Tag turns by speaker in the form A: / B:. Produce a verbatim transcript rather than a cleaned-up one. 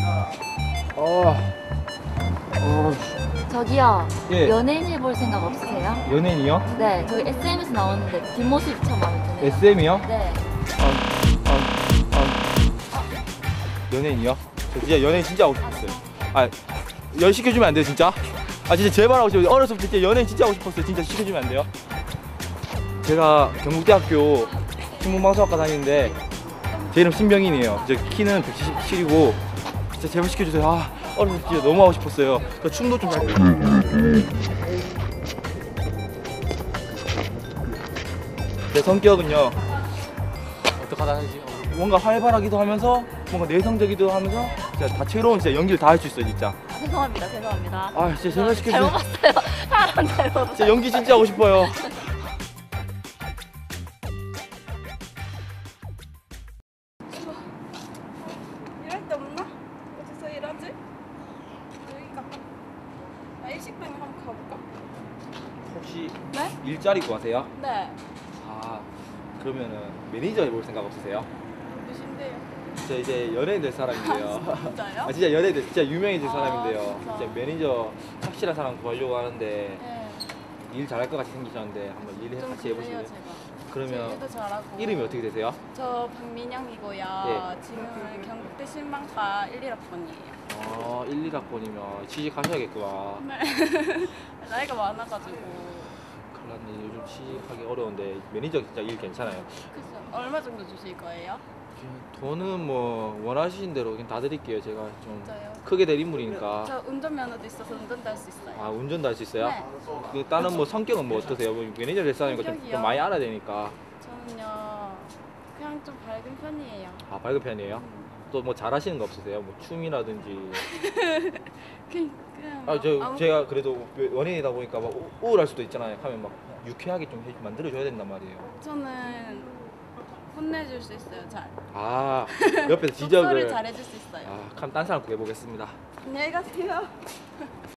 A: 어. 어.
B: 저기요.
A: 예.
B: 연예인 해볼 생각 없으세요?
A: 연예인이요?
B: 네, 저기 에스엠에서 나오는데 뒷모습이 참 마음에 드네요.
A: 에스엠이요?
B: 네.
A: 어, 어, 어. 연예인이요? 저 진짜 연예인 진짜 하고 싶었어요. 아, 연 시켜주면 안 돼요, 진짜? 아, 진짜 제발 하고 싶어요. 어렸을 때 진짜 연예인 진짜 하고 싶었어요. 진짜 시켜주면 안 돼요? 제가 경북대학교 신문방송학과 다니는데 제 이름 신병인이에요. 저 키는 백칠십칠이고 진짜 제발 시켜주세요. 아, 어렸을 때 진짜 너무 하고 싶었어요. 저 춤도 좀 잘. 제 성격은요, 어떡하다 하지? 뭔가 활발하기도 하면서 뭔가 내성적이기도 하면서 진짜 다채로운 진짜 연기를 다 할 수 있어요, 진짜.
B: 아, 죄송합니다, 죄송합니다.
A: 아, 진짜 제발 시켜주세요.
B: 잘못 봤어요. 사람 잘못 봤어요.
A: 진짜 연기 진짜 하고 싶어요.
C: 일할 데 없나? 어디서 일하지? 여기 가까 나 일식당에 한번 가볼까?
A: 혹시
C: 네?
A: 일자리 구하세요?
C: 네.
A: 아, 그러면은 매니저 해볼 생각 없으세요?
C: 누구신데요?
A: 저 이제 연예인 될 사람인데요.
C: 진짜요?
A: 아, 진짜 연예인 될, 진짜 유명해질
C: 아,
A: 사람인데요.
C: 진짜.
A: 진짜 매니저 확실한 사람 구하려고 하는데
C: 네.
A: 일 잘할 것 같이 생기셨는데 한번 일
C: 좀
A: 같이
C: 그래요,
A: 해보실래요?
C: 제가.
A: 그러면
C: 일도 잘하고.
A: 이름이 어떻게 되세요?
C: 저 박민영이고요.
A: 네.
C: 지금은 경북대 신방과 일, 일 학번이에요.
A: 어, 일, 일 학번이면 취직하셔야겠구나.
C: 네. 나이가 많아가지고.
A: 큰일 났네. 요즘 취직하기 어려운데 매니저 진짜 일 괜찮아요.
C: 그죠? 얼마 정도 주실 거예요?
A: 돈은 뭐 원하시는 대로 그냥 다 드릴게요. 제가 좀
C: 진짜요?
A: 크게 될 인물이니까.
C: 저 운전면허도 있어서 운전도 할 수 있어요.
A: 아, 운전도 할 수 있어요?
C: 네.
A: 그 다른 뭐 성격은 뭐 어떠세요? 뭐 매니저 될 사람이니까 좀,
C: 성격이요?
A: 좀 많이 알아야 되니까.
C: 저는요, 그냥 좀 밝은 편이에요.
A: 아, 밝은 편이에요?
C: 음.
A: 또 뭐 잘하시는 거 없으세요? 뭐 춤이라든지.
C: 그냥, 그냥
A: 아, 저
C: 아무-
A: 제가 그래도 원인이다 보니까 막 우- 우울할 수도 있잖아요. 하면 막 유쾌하게 좀 해- 만들어줘야 된단 말이에요.
C: 저는 혼내줄 수 있어요, 잘.
A: 아, 옆에서
C: 독서를
A: 지적을.
C: 잘해줄 수 있어요.
A: 아, 그럼 딴 사람 구해보겠습니다.
C: 안녕히 가세요.